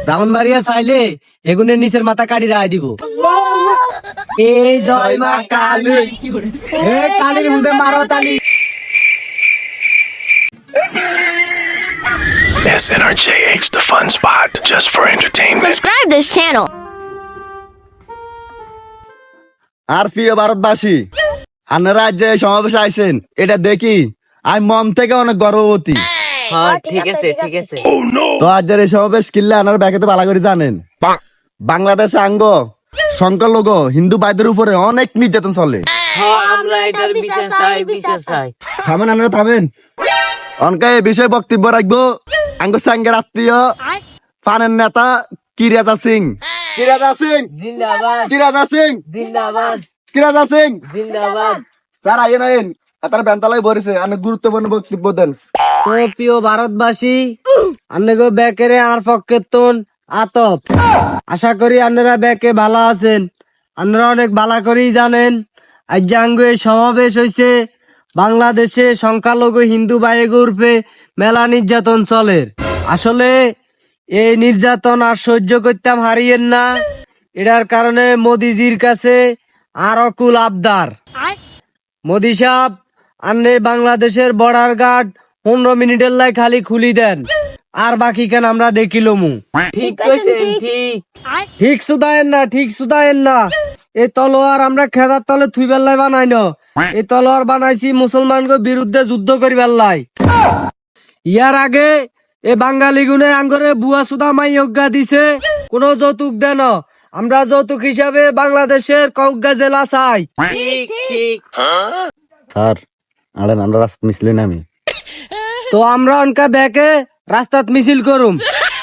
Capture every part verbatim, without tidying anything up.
ব্রাহ্মণবাড়িয়া চাইলে এগুনের নিচের মাথা কাটি রায় দিব। এই জয় মা কালী, এ কালীর মুখে মারো তালি। S N R J H, the fun spot, just for entertainment. Subscribe this channel. আর প্রিয় ভারতবাসী, আপনারা যে সমাবেশে আইছেন এটা দেখি আমি মন থেকে অনেক গর্ববতী। হ্যাঁ ঠিক আছে ঠিক আছে। তো আজ এই সমাবেশ কিনলে আপনারা ব্যাখ্যাতে ভালো করে জানেন বাংলাদেশ আঙ্গ সংখ্যালঘু হিন্দু ভাইদের উপরে অনেক নির্যাতন চলে। হ্যাঁ আমরা এটার বিচার চাই, বিচার চাই। থামেন আপনারা থামেন। অনকা এই বিষয়ে বক্তব্য রাখবো আঙ্গ সাঙ্গের আত্মীয় ফানের নেতা কিরাজা সিং। কিরাজা সিং জিন্দাবাদ, কিরাজা সিং জিন্দাবাদ, কিরাজা সিং জিন্দাবাদ। স্যার আইন আইন তার বেন্তালাই ভরেছে অনেক গুরুত্বপূর্ণ বক্তব্য দেন। তো প্রিয় ভারতবাসী, আপনাকে ব্যাকেরে আর পক্ষেতন আতপ আশা করি আপনারা ব্যাকে ভালো আছেন। আপনারা অনেক ভালো করেই জানেন আজ জাঙ্গ এই সমাবেশ হয়েছে বাংলাদেশে সংখ্যালঘু হিন্দু ভাই গ্রুপে মেলা নির্যাতন চলে। আসলে এই নির্যাতন আর সহ্য করতাম হারিয়েন না। এটার কারণে মোদিজির কাছে আর অকুল আবদার। মোদি সাহেব আন্নে বাংলাদেশের বর্ডার গার্ড পনেরো মিনিটের লাই খালি খুলি দেন, আর বাকি কেন আমরা দেখিলমু। ঠিক কইছেন, ঠিক ঠিক সুদায়েন না, ঠিক সুদায়েন না। এই তলোয়ার আমরা খেদার তলে থুই বেল্লাই বানাই না, এই তলোয়ার বানাইছি মুসলমানকে বিরুদ্ধে যুদ্ধ করি বেল্লাই। ইয়ার আগে এ বাঙালি গুনে আঙ্গরে বুয়া সুদা মাই অজ্ঞা দিছে কোনো যৌতুক দেন। আমরা যৌতুক হিসাবে বাংলাদেশের কৌজ্ঞা জেলা চাই। ঠিক ঠিক। স্যার আরে আমরা রাস্তা মিশলি না আমি তো আমরা অনকা ব্যাকে রাস্তাত মিছিল করুম।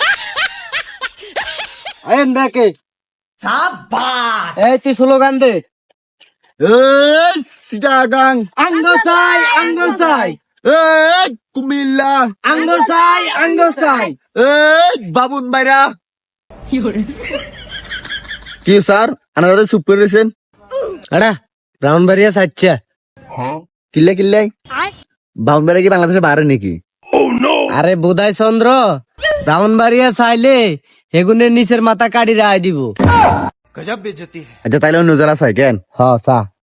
আইন ব্যাকে সাবাস। এই তুই স্লোগান দে। এই সিটাগাং আঙ্গ চাই, আঙ্গ চাই, এই কুমিল্লা আঙ্গ চাই, আঙ্গ চাই। এই বাবুন বাইরা কি স্যার আপনারা চুপ করে রয়েছেন? আড়া ব্রাহ্মণবাড়িয়া চাচ্ছা। কিল্লে কিল্লে বাউন্ডারি কি বাংলাদেশে বাইরে নাকি? আরে বোধাই চন্দ্র, ব্রাহ্মণবাড়িয়া চাইলে হেগুনের নিচের মাথা কাটি রায় দিব। আচ্ছা তাইলে অন্য জেলা চাই কেন? হ চা।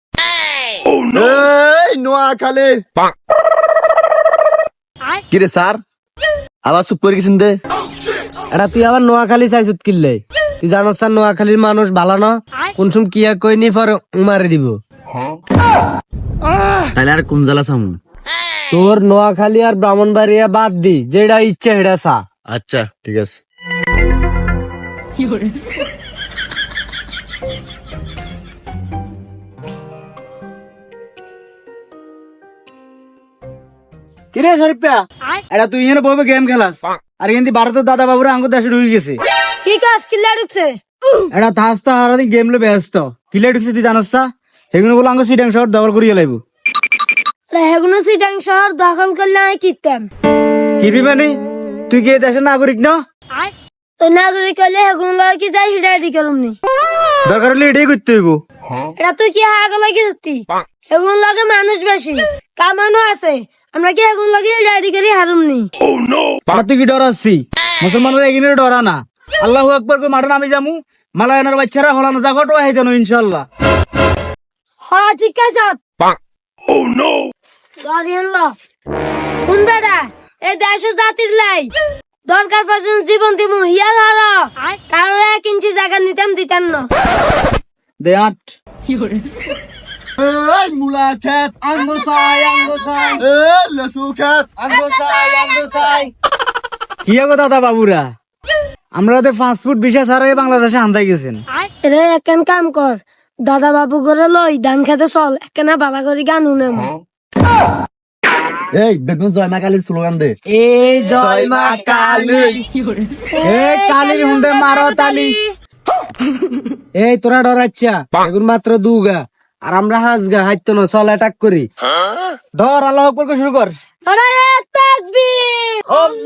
এই নোয়াখালী কিরে স্যার আবার চুপ করে গেছেন দে। এটা তুই আবার নোয়াখালী চাইছত কিনলে? তুই জানোস স্যার নোয়াখালীর মানুষ ভালো না, কোন সময় কিয়া কই নি পর মারি দিব। তাইলে আর কোন জেলা চামু? তোর নোয়াখালী আর ব্রাহ্মণবাড়িয়া বাদ দি, যেটা ইচ্ছে সেটা চা। আচ্ছা ঠিক আছে। কিরে শরীফা, এটা তুই এখানে বসে গেম খেলাস আর এখান থেকে ভারতের দাদা বাবুরা আঙ্গুর দেশে ঢুকে গেছে। কি কাজ কিল্লা ঢুকছে? এটা থাস তো আর গেম লে ব্যস্ত কিলে ঢুকছে তুই জানোস না? সেগুলো বলে আঙ্গুর সিটাং শহর দখল করিয়ে লাইব। হেগুনো সিটাং শহর দখল করলে আমি কিতাম কি মানে তুই কি এই দেশের নাগরিক না? তো নাগরিক হলে হেগুন লয় কি যাই হিডাইটি করুম নি। দরকার হলে এটাই করতে হইব। এটা তুই কি হাগা লাগি সত্যি? হেগুন লাগে মানুষ বেশি কামানো আছে, আমরা কি হেগুন লাগে হিডাইটি করি হারুম নি। আর তুই কি ডরাচ্ছি? মুসলমানরা এগিয়ে ডরা না। আল্লাহ আকবর করে মাঠে নামি যামু, মালায়নের বাচ্চারা হলানো জাগট ও হাইতানো ইনশাল্লাহ। হ্যাঁ ঠিক আছে। গাড়িয়ান ল কোন বেড়া এই দেশ জাতির লাই দরকার পর্যন্ত জীবন দিমু হিয়ার হারা কারোর এক ইঞ্চি জায়গা নিতাম দিতাম না। দে আট এই মুলা খেত আঙ্গ চাই, আঙ্গ চাই, এই লেসু খেত আঙ্গ চাই, আঙ্গ চাই। কি গো দাদা বাবুরা, আমরা তো ফাস্ট ফুড ভিসা ছাড়াই বাংলাদেশে আনতাই গেছেন। এরে একখান কাম কর, দাদা বাবু করে লই ধান খেতে চল একখানা বালা করে গান উনেম। এই বেগুন জয় মা কালীর স্লোগান দে। এই জয় মা কালী, এই কালীর হুন্ডে মারো তালি। এই তোরা ডরাচ্ছা এখন মাত্র দুগা আর আমরা হাসগা হাইতো না, চল অ্যাটাক করি। ধর আল্লাহ আকবর করে শুরু কর। আরে তাকবীর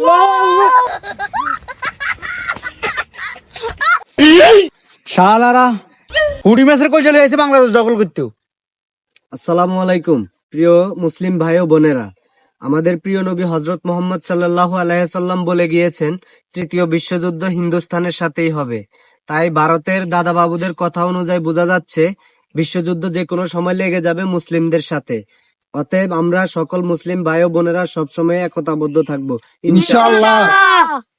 শালারা কুড়ি ম্যাচের কই চলে এসে বাংলাদেশ দখল করতে। আসসালামু আলাইকুম প্রিয় মুসলিম ভাই ও বোনেরা, আমাদের প্রিয় নবী হজরত মোহাম্মদ সাল্লাল্লাহু আলাইহি সাল্লাম বলে গিয়েছেন, তৃতীয় বিশ্বযুদ্ধ হিন্দুস্তানের সাথেই হবে। তাই ভারতের দাদা বাবুদের কথা অনুযায়ী বোঝা যাচ্ছে বিশ্বযুদ্ধ যে কোনো সময় লেগে যাবে মুসলিমদের সাথে। অতএব আমরা সকল মুসলিম ভাই ও বোনেরা সবসময় একতাবদ্ধ থাকবো, ইনশাআল্লাহ। ইনশাআল্লাহ।